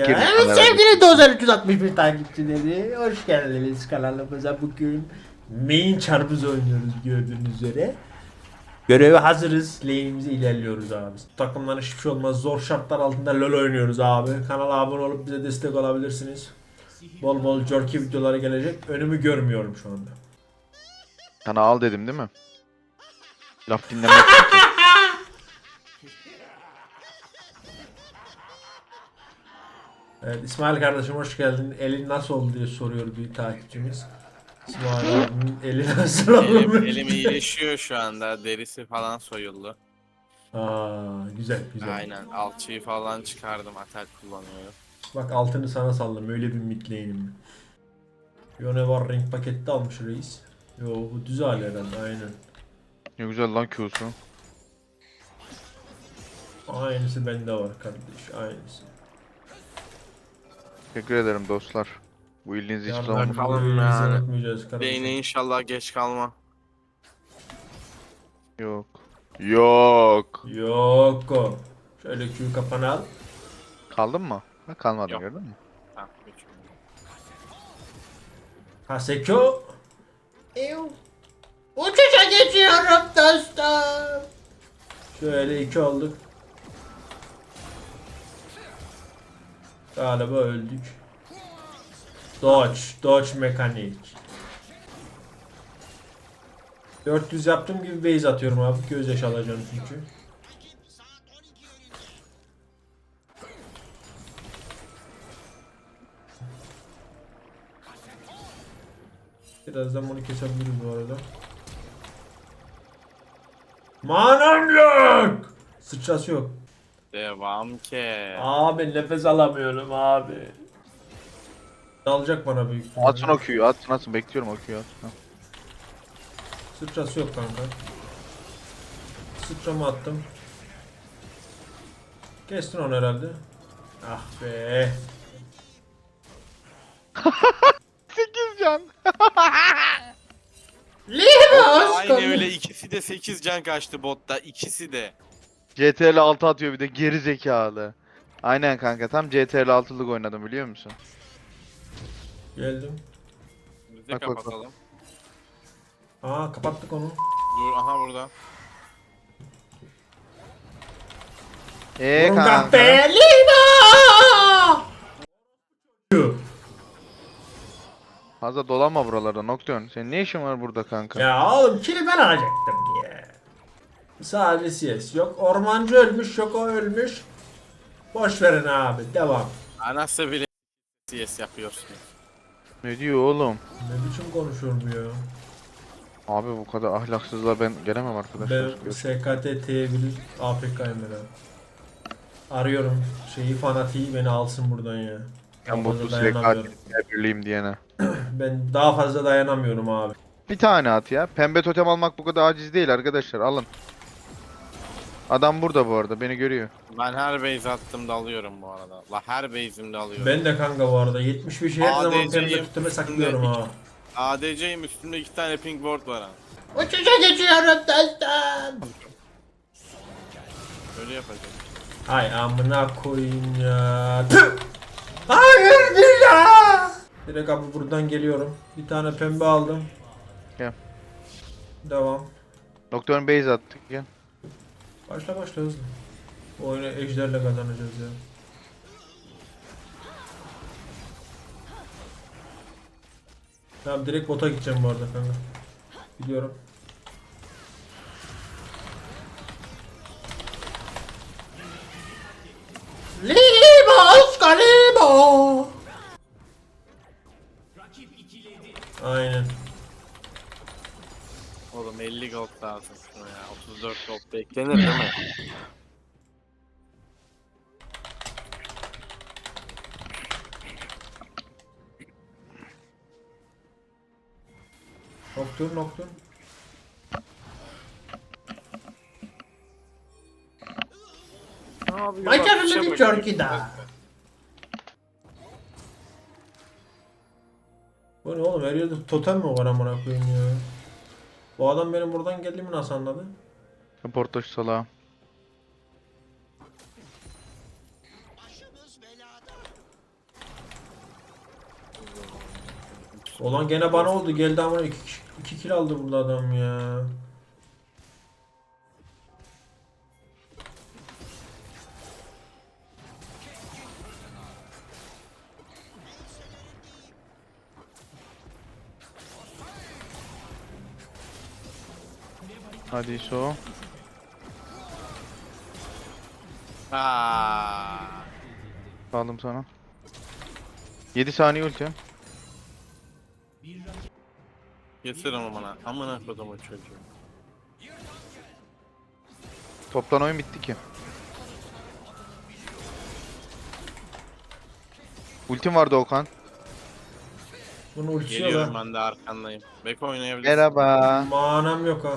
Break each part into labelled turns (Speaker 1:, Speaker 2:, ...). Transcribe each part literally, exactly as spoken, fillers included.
Speaker 1: girdik.
Speaker 2: Evet sevgili Dozer üç yüz altmış bir takipçileri, hoş geldiniz kanalımıza. Bugün main çarpız oynuyoruz gördüğünüz üzere. Göreve hazırız. Lane'imize ilerliyoruz abi. Takımdan hiçbir şey olmaz. Zor şartlar altında LoL oynuyoruz abi. Kanala abone olup bize destek olabilirsiniz. Bol bol jerky videoları gelecek. Önümü görmüyorum şu anda.
Speaker 1: Sana al dedim değil mi? Laf dinlemek için.
Speaker 2: Evet, İsmail kardeşim hoş geldin. Elin nasıl oldu diye soruyor bir takipçimiz. İsmail abimin eli nasıl
Speaker 3: Elim,
Speaker 2: olmuş?
Speaker 3: elim iyileşiyor şu anda. Derisi falan soyuldu.
Speaker 2: Aa, güzel güzel.
Speaker 3: Aynen. Alçıyı falan çıkardım. Atak kullanıyorum.
Speaker 2: Bak altını sana sallam öyle bir midlane'im. Yone var renk pakette almış reis. Yo bu düz hali herhalde aynen.
Speaker 1: Ne güzel lan Q'su.
Speaker 2: Aynısı bende var kardeş aynısı.
Speaker 1: Teşekkür ederim dostlar. Bu ilginizi hiçbir zaman
Speaker 2: Yarın
Speaker 1: unutmayın.
Speaker 3: Bakalım
Speaker 2: birbirimizi
Speaker 3: yani.
Speaker 2: unutmayacağız kardeşim.
Speaker 3: Beyne inşallah geç kalma.
Speaker 1: Yok. Yok.
Speaker 2: Yok o. Şöyle Q kafanı al.
Speaker 1: Kaldın mı? Ha, kalmadın
Speaker 3: Yok.
Speaker 1: gördün mü?
Speaker 3: Tamam, geçiyorum.
Speaker 2: Haseko. Ew. Uçuşa geçiyorum dostum. Şöyle iki olduk. Galiba öldük. Dodge, Dodge mekanik. dört yüz yaptığım gibi base atıyorum abi. Gözyaşı alacağım çünkü. Birazdan bunu kesebiliriz bu arada. Manam yok. Sıçrası yok.
Speaker 3: Devam ki.
Speaker 2: Abi nefes alamıyorum abi. Dalacak bana büyük ihtimalle.
Speaker 1: Atsın o Q'yu atsın atsın. Bekliyorum o Q'yu atsın.
Speaker 2: Sıçrası yok kanka. Sıçramı attım. Kestin onu herhalde. Ah be.
Speaker 1: sekiz can.
Speaker 2: Limos
Speaker 3: Aynı öyle ikisi de sekiz can kaçtı botta. İkisi de.
Speaker 1: C T R L altı atıyor bir de geri zekalı. Aynen kanka tam C T R L altılık oynadım biliyor musun?
Speaker 2: Geldim.
Speaker 3: Biz de
Speaker 1: Bak, bak, bak.
Speaker 3: kapatalım.
Speaker 2: Aa kapattık onu.
Speaker 3: Dur aha burada.
Speaker 1: Eee
Speaker 2: Vurun
Speaker 1: kanka.
Speaker 2: kahpe Limo.
Speaker 1: Fazla dolanma buralarda Nocturne. Senin ne işin var burada kanka?
Speaker 2: Ya oğlum kili ben alacaktım ya. Sadece C S yok. Ormancı ölmüş yok o ölmüş. Boş verin abi devam.
Speaker 3: Anası bile C S yapıyorsun.
Speaker 1: Ne diyor oğlum?
Speaker 2: Ne biçim konuşuyor bu ya?
Speaker 1: Abi bu kadar ahlaksızlığa ben gelemem arkadaşlar.
Speaker 2: Ben S K T T bir A F K'yım ben abi. Arıyorum şeyi fanatiği beni alsın buradan ya. Daha
Speaker 1: Ben
Speaker 2: fazla
Speaker 1: bu
Speaker 2: dayanamıyorum.
Speaker 1: S K birliğim diyene.
Speaker 2: Ben daha fazla dayanamıyorum abi.
Speaker 1: Bir tane at ya. Pembe totem almak bu kadar aciz değil arkadaşlar. Alın. Adam burada bu arada. Beni görüyor.
Speaker 3: Ben her base attığımda alıyorum bu arada. La her base'imde alıyorum.
Speaker 2: Ben de kanka bu arada yetmiş beşi her zaman
Speaker 3: A D C'yim,
Speaker 2: pembe tutuma saklıyorum
Speaker 3: üstünde
Speaker 2: ha.
Speaker 3: A D C'yim üstümde iki tane pink ward var ha.
Speaker 2: Uçuşa geçiyorum dostum.
Speaker 3: Öyle yapacağım.
Speaker 2: Ay amına koyayım ya. Tüh! Hayır ya. Direkt abi buradan geliyorum. Bir tane pembe aldım.
Speaker 1: Gel.
Speaker 2: Devam.
Speaker 1: Doktorun base attık gel.
Speaker 2: Başla başla hızlı. Bu oyunu ejderle kazanacağız ya. Tamam direkt bota gideceğim bu arada kanka. Gidiyorum. Limos Kalimo. Aynen.
Speaker 3: Oğlum elli gold lazım şuna ya. otuz dört gold beklenir değil mi?
Speaker 2: Noktur noktur.
Speaker 3: Ne yapıyor?
Speaker 2: Başarılı bir jerky daha. Bu ne oğlum her yerde totem mi var amına koyayım ya? Bu adam benim buradan geldiğimi nasıl anladı?
Speaker 1: Portoş salağı.
Speaker 2: Olan gene bana oldu. Geldi ama iki, iki kill aldı burada adam ya.
Speaker 1: Hadi so.
Speaker 3: Aa.
Speaker 1: Aldım sana. yedi saniye ulti.
Speaker 3: Getir onu bana. Amına kodumun çocuğu.
Speaker 1: Toptan oyun bitti ki. Ultim vardı Okan.
Speaker 2: Bunu ultiye
Speaker 3: Geliyorum
Speaker 2: lan.
Speaker 3: ben de arkandayım. Beko oynayabilirsin.
Speaker 1: Merhaba.
Speaker 2: Manam yok ha.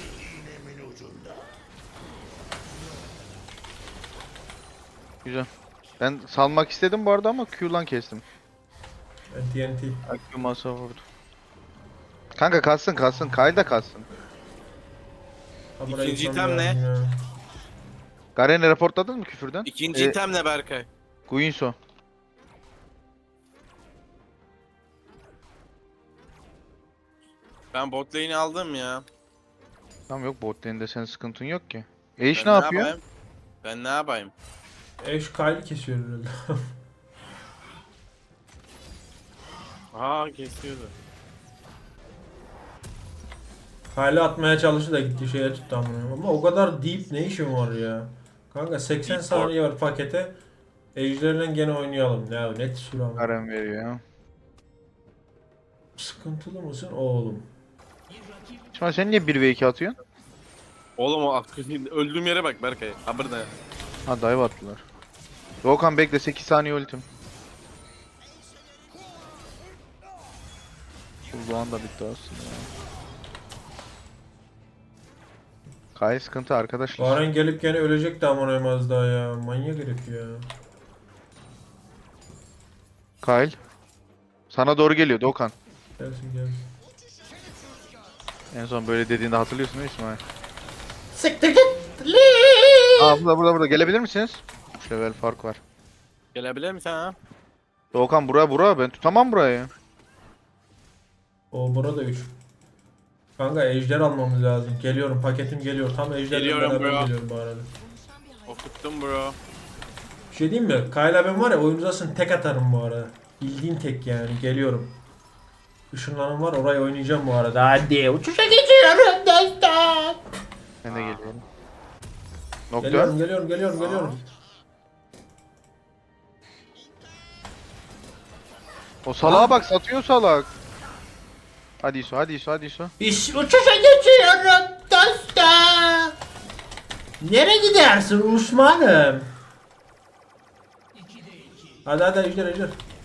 Speaker 1: Güzel. Ben salmak istedim bu arada ama Q'lan kestim.
Speaker 2: Ben T N T.
Speaker 1: Q masa vurdu. Kanka kalsın kalsın. Kyle da kalsın.
Speaker 2: Ha, buraya
Speaker 3: İkinci
Speaker 2: gitmem
Speaker 3: item ne?
Speaker 2: lazım ya.
Speaker 1: Garen'i raportladın mı küfürden?
Speaker 3: İkinci
Speaker 1: Ee,
Speaker 3: item ne Berkay?
Speaker 1: Guinsoo.
Speaker 3: Ben bot lane'i aldım ya.
Speaker 1: Tamam yok bot lane'de senin sıkıntın yok ki.
Speaker 3: Ben
Speaker 1: Ashe ne yapıyor?
Speaker 3: yapayım? Ben ne yapayım?
Speaker 2: Eş Kyle'i kesiyor herhalde.
Speaker 3: Aa kesiyordu.
Speaker 2: Kyle'i atmaya çalıştı da gitti şeye tuttu amına. Ama o kadar deep ne işim var ya. Kanka seksen
Speaker 3: Deep
Speaker 2: saniye var pakete. Ejder'le gene oynayalım. Ya net süre ama.
Speaker 1: Garen veriyor ya.
Speaker 2: Sıkıntılı mısın oğlum?
Speaker 1: Şimdi sen niye bir ve iki atıyorsun?
Speaker 3: Oğlum o ak- öldüğüm yere bak Berkay. Ha burada.
Speaker 1: Ha dive attılar. Doğukan bekle sekiz saniye ultim. Bu an da bitti aslında ya. Kyle sıkıntı arkadaşlar.
Speaker 2: Garen gelip gene ölecek de amına az daha ya. Manyak herif ya.
Speaker 1: Kyle. Sana doğru geliyor Doğukan.
Speaker 2: Gelsin gelsin.
Speaker 1: En son böyle dediğinde hatırlıyorsun değil mi İsmail?
Speaker 2: Siktir git.
Speaker 1: Aa burada burada burada gelebilir misiniz? üç level fark var.
Speaker 3: Gelebilir misin ha?
Speaker 1: Doğukan bura bura ben tutamam burayı.
Speaker 2: O burada üç. Kanka ejder almamız lazım. Geliyorum paketim geliyor. Tam ejderle
Speaker 3: Geliyorum
Speaker 2: beraber
Speaker 3: bro.
Speaker 2: geliyorum bu arada.
Speaker 3: Okuttum bro.
Speaker 2: Bir şey diyeyim mi? Kayla ben var ya oyun uzasın tek atarım bu arada. Bildiğin tek yani. Geliyorum. Işınlanım var orayı oynayacağım bu arada. Hadi uçuşa geçiyorum dostum.
Speaker 1: Ben de geliyorum. Nokta.
Speaker 2: Geliyorum geliyorum geliyorum geliyorum.
Speaker 1: O salağa bak satıyor salak. Hadi İso hadi İso hadi İso.
Speaker 2: İş uçuşa geçiyorum dostum. Nereye gidersin Osman'ım? Hadi hadi ejder ejder.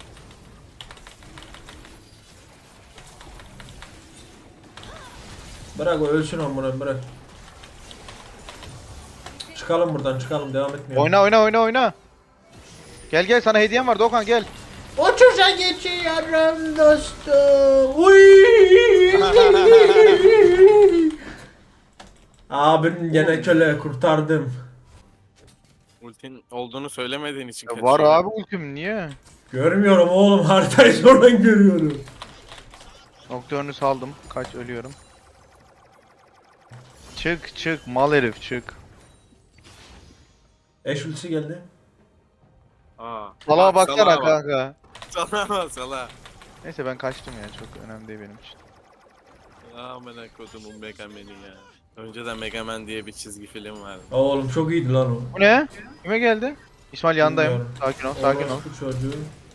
Speaker 2: Bırak o ölsün amına bırak. Çıkalım buradan çıkalım devam etmeyelim.
Speaker 1: Oyna oyna oyna oyna. Gel gel sana hediyem var Doğukan gel.
Speaker 2: Uçuşa geçiyorum dostum. Uy. Abim gene köle kurtardım.
Speaker 3: Ultin olduğunu söylemediğin için
Speaker 1: Ya var
Speaker 3: kaçıyorum.
Speaker 1: abi ultim niye?
Speaker 2: Görmüyorum oğlum haritayı sonradan görüyorum.
Speaker 1: Nocturne'ü saldım. Kaç ölüyorum. Çık çık mal herif çık.
Speaker 2: Eş ultisi geldi.
Speaker 3: Aa.
Speaker 1: Salağa
Speaker 3: Bak,
Speaker 1: baksana
Speaker 3: salağa bak.
Speaker 1: kanka.
Speaker 3: Salağa bak salağa.
Speaker 1: Neyse ben kaçtım ya çok önemli değil benim için.
Speaker 3: Amına kodumun Mega Man'i ya. Önceden Mega Man diye bir çizgi film vardı.
Speaker 2: Oğlum çok iyiydi lan o.
Speaker 1: Bu ne? Kime geldi? İsmail yandayım.
Speaker 2: Bilmiyorum.
Speaker 1: Sakin ol sakin ol.
Speaker 2: Orospu çocuğu.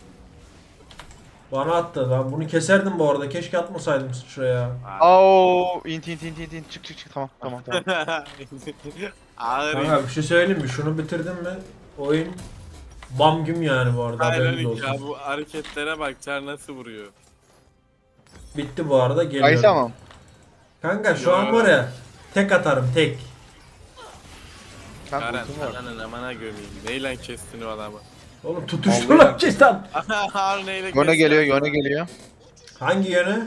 Speaker 2: Bana attı lan. Bunu keserdim bu arada. Keşke atmasaydım şuraya.
Speaker 1: Ao int int int int int çık çık çık tamam tamam tamam.
Speaker 3: Ağır
Speaker 2: Kanka bir şey söyleyeyim mi? Şunu bitirdim mi? Oyun bam güm yani bu arada. Haberiniz
Speaker 3: Aynen
Speaker 2: olsun.
Speaker 3: ya bu hareketlere bak Çar nasıl vuruyor.
Speaker 2: Bitti bu arada geliyorum.
Speaker 1: Ay tamam.
Speaker 2: Kanka şu an var ya tek atarım tek.
Speaker 1: Kanka
Speaker 3: Karen
Speaker 1: ultim var.
Speaker 3: ananın amana gömeyim. Neyle kestin o adamı?
Speaker 2: Oğlum tutuştu lan çestan.
Speaker 3: Harun neyle
Speaker 1: Yone
Speaker 3: kestin?
Speaker 1: geliyor yone geliyor.
Speaker 2: Hangi yöne?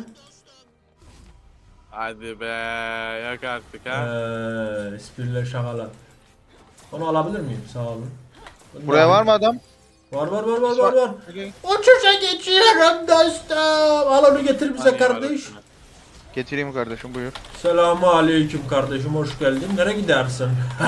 Speaker 3: Hadi be yak artık ha.
Speaker 2: Eee espriler şakalar. Onu alabilir miyim? Sağ olun. Bunu
Speaker 1: Buraya
Speaker 2: da
Speaker 1: var mı adam?
Speaker 2: Var var var var var var.
Speaker 1: Okay.
Speaker 2: Uçuşa geçiyorum dostum. Al onu getir bize
Speaker 3: Hani
Speaker 2: kardeş.
Speaker 3: var
Speaker 1: Getireyim kardeşim buyur.
Speaker 2: Selamun aleyküm kardeşim, hoş geldin. Nereye gidersin?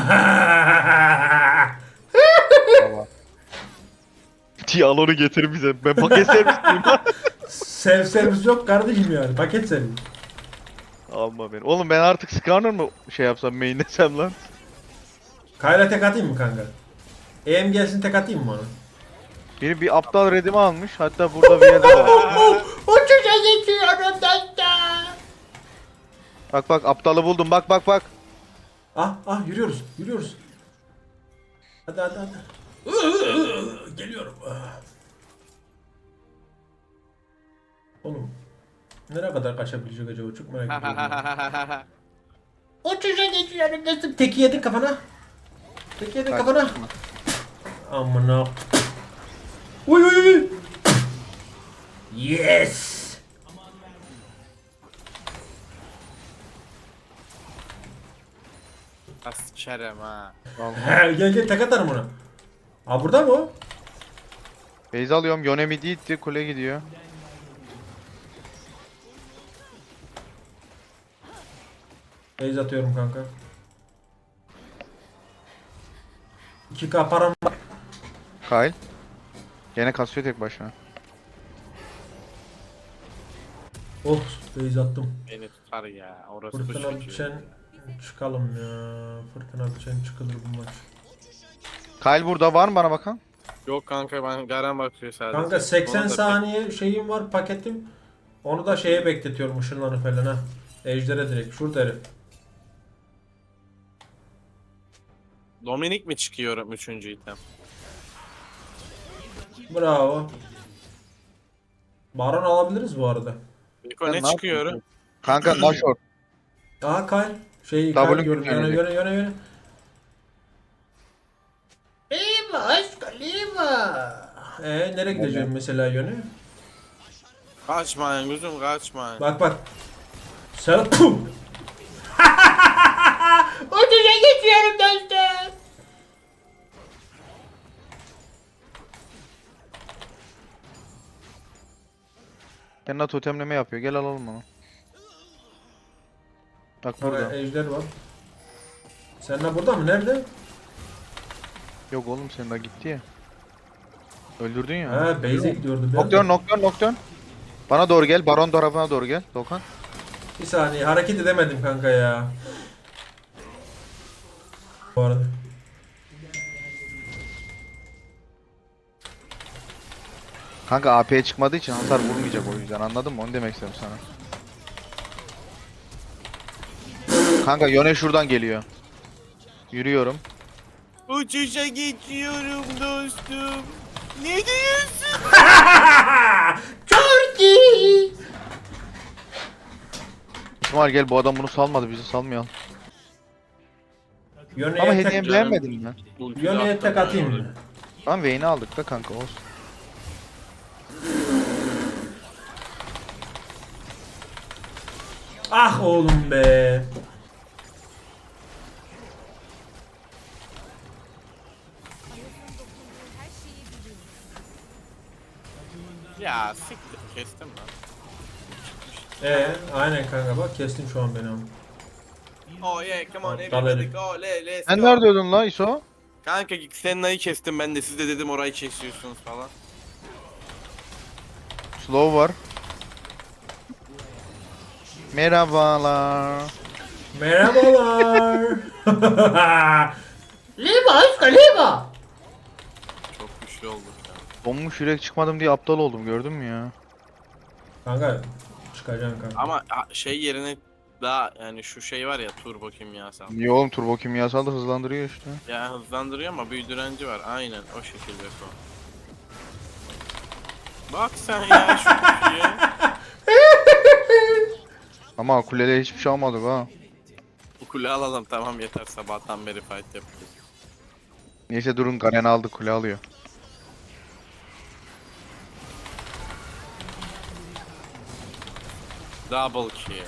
Speaker 1: Tamam. Ti al onu getir bize. Ben paket servisliyim.
Speaker 2: Self servis yok kardeşim yani. Paket servis.
Speaker 1: Alma beni. Oğlum ben artık Skarner mı şey yapsam mainlesem lan?
Speaker 2: Kayla tek atayım mı kanka? E M gelsin tek atayım mı ona?
Speaker 1: Biri bir aptal redimi almış. Hatta burada bir yerde var.
Speaker 2: Uçuşa geçiyorum dostum.
Speaker 1: Bak bak aptalı buldum. Bak bak bak.
Speaker 2: Ah ah yürüyoruz yürüyoruz. Hadi hadi hadi. Geliyorum. Oğlum. Nereye kadar kaçabilecek acaba? Çok merak ediyorum. Uçuşa geçiyorum dostum. Teki yedin kafana. Teki yedin
Speaker 1: Kaç.
Speaker 2: kafana. Amına. Uy uy uy. Yes.
Speaker 3: Askerem ha.
Speaker 2: He, gel gel tek atarım ona. Aa burada mı o?
Speaker 1: Beyz alıyorum. Yone midi itti. Kule gidiyor.
Speaker 2: Base atıyorum kanka. iki K param var.
Speaker 1: Kyle. Gene kasıyor tek başına.
Speaker 2: Oh base attım.
Speaker 3: Beni tutar ya. Orası bu
Speaker 2: Fırtına
Speaker 3: çocuğu.
Speaker 2: biçen çıkalım ya. Fırtına biçen çıkılır bu maç.
Speaker 1: Kyle burada var mı bana bakan?
Speaker 3: Yok kanka ben Garen bakıyor sadece.
Speaker 2: Kanka seksen
Speaker 3: Ona da
Speaker 2: saniye şeyim var paketim. Onu da şeye bekletiyorum ışınlanı falan ha. Ejder'e direkt şurada herif.
Speaker 3: pek- Dominik mi çıkıyorum üçüncü item?
Speaker 2: Bravo. Baron alabiliriz bu arada.
Speaker 3: Beko
Speaker 1: Sen
Speaker 3: ne
Speaker 1: ne
Speaker 3: çıkıyorum?
Speaker 1: Kanka Nashor.
Speaker 2: Aha Kyle. Şey
Speaker 1: W
Speaker 2: Kyle gördüm. Yöne
Speaker 1: gelecek.
Speaker 2: yöne yöne yöne. Lima aşkım Lima. Eee nereye gideceğim mesela yöne?
Speaker 3: Kaçmayın gözüm kaçmayın.
Speaker 2: Bak bak. Sen pum. Uçuşa geçiyorum dostum.
Speaker 1: Kendine totemleme yapıyor. Gel alalım onu. Bak
Speaker 2: Burada
Speaker 1: burada.
Speaker 2: ejder var. Sen de burada mı? Nerede?
Speaker 1: Yok oğlum senin daha gitti ya. Öldürdün ya.
Speaker 2: Ha base'e gidiyordu. Ben
Speaker 1: Nocturne,
Speaker 2: de-
Speaker 1: Nocturne, Nocturne. Bana doğru gel. Baron tarafına doğru gel. Dokan.
Speaker 2: Bir saniye hareket edemedim kanka ya. Bu arada.
Speaker 1: Kanka A P'ye çıkmadığı için hasar vurmayacak o yüzden. Anladın mı? Onu demek istedim sana. Kanka Yone şuradan geliyor. Yürüyorum.
Speaker 3: Uçuşa geçiyorum dostum. Ne diyorsun?
Speaker 2: Turkey.
Speaker 1: İsmail gel, bu adam bunu salmadı. Bizi salmayalım.
Speaker 2: Yöne'ye
Speaker 1: Ama
Speaker 2: tek,
Speaker 1: hediyemi beğenmedin mi?
Speaker 2: Yöne'ye tek atayım mı?
Speaker 1: Lan Vayne'i aldık da kanka olsun.
Speaker 2: Ah oğlum be.
Speaker 3: Ya siktir kestim lan.
Speaker 2: Ee, aynen kanka bak kestin şu an beni ama.
Speaker 3: Oh yeah come on
Speaker 2: Aptal
Speaker 3: everybody
Speaker 2: herif.
Speaker 3: go le let's
Speaker 1: Sen
Speaker 3: go.
Speaker 1: nerede öldün lan İso?
Speaker 3: Kanka Xenna'yı kestim ben de siz de dedim orayı kesiyorsunuz falan.
Speaker 1: Slow var. Merhabalar.
Speaker 2: Merhabalar. Lima aşkım Lima.
Speaker 3: Çok güçlü olduk ya.
Speaker 1: Donmuş yürek çıkmadım diye aptal oldum, gördün mü ya?
Speaker 2: Kanka çıkacaksın kanka.
Speaker 3: Ama a, şey yerine daha yani şu şey var ya turbo kimyasal.
Speaker 1: Niye oğlum, turbo kimyasal da hızlandırıyor işte.
Speaker 3: Ya hızlandırıyor ama büyü direnci var. Aynen o şekilde Beko. Bak sen ya şu kişiye.
Speaker 1: Ama kulede hiçbir şey almadık ha.
Speaker 3: Bu kule alalım tamam yeter sabahtan beri fight yapıyoruz.
Speaker 1: Neyse durun, Garen aldı, kule alıyor.
Speaker 3: Double kill.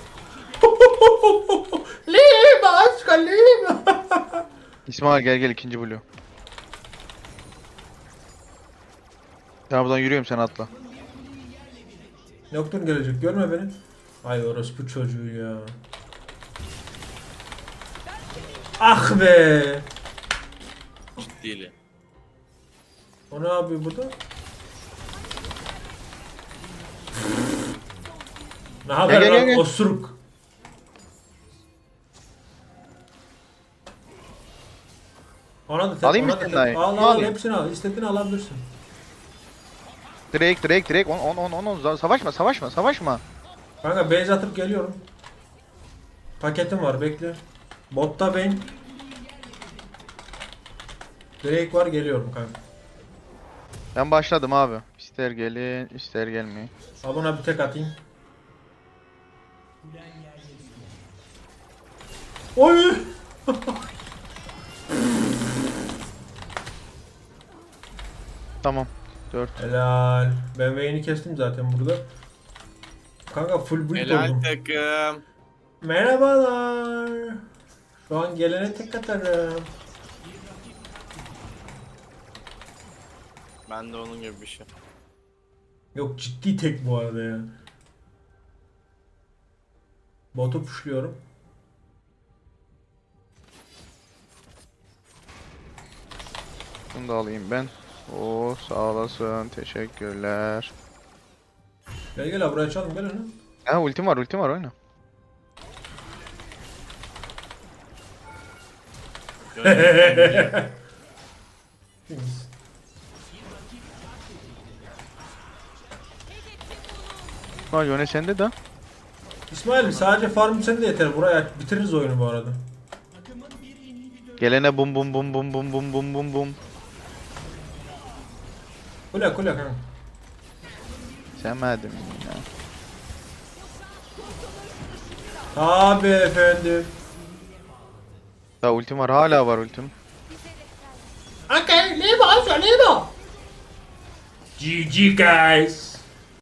Speaker 2: Lima aşkım Lima.
Speaker 1: İsmail gel gel, ikinci blue. Ben buradan yürüyorum, sen atla.
Speaker 2: Nocturne gelecek, görme beni. Ay orospu çocuğu ya. Ah be.
Speaker 3: Ciddiyle.
Speaker 2: O ne yapıyor burada? Ne haber
Speaker 1: gel, gel,
Speaker 2: lan
Speaker 1: gel.
Speaker 2: osuruk? Ona da tek,
Speaker 1: Alayım
Speaker 2: ona
Speaker 1: mı
Speaker 2: da
Speaker 1: senin
Speaker 2: tek.
Speaker 1: dayı?
Speaker 2: Al
Speaker 1: Ne
Speaker 2: al
Speaker 1: alayım?
Speaker 2: hepsini al. İstediğini alabilirsin.
Speaker 1: Direkt direkt direkt on on on on on savaşma savaşma savaşma.
Speaker 2: Kanka base atıp geliyorum. Paketim var bekle. Botta ben. Drake var geliyorum kanka.
Speaker 1: Ben başladım abi. İster gelin ister gelmeyin.
Speaker 2: Al buna bir tek atayım. Oy!
Speaker 1: Tamam. dört.
Speaker 2: Helal. Ben Vayne'i kestim zaten burada. Kanka full build
Speaker 3: Helal
Speaker 2: oldum.
Speaker 3: takım.
Speaker 2: Merhabalar. Şu an gelene tek atarım.
Speaker 3: Ben de onun gibi bir şey.
Speaker 2: Yok ciddi tek bu arada ya. Botu pushluyorum.
Speaker 1: Bunu da alayım ben. Oo sağ olasın. Teşekkürler.
Speaker 2: Gel gel abi buraya açalım gel onu.
Speaker 1: Ha ultim var ultim var oyna.
Speaker 3: Gönlüm-
Speaker 1: Ha Yone sende de.
Speaker 2: İsmail sadece farm sen de yeter. Buraya bitiririz oyunu bu arada.
Speaker 1: Gelene bum bum bum bum bum bum bum bum bum.
Speaker 2: Kule kule kanka.
Speaker 1: Sevmedim ya.
Speaker 2: Tabi efendim.
Speaker 1: Daha ultim var, hala var ultim.
Speaker 2: Okay, leave us, leave us. G G guys.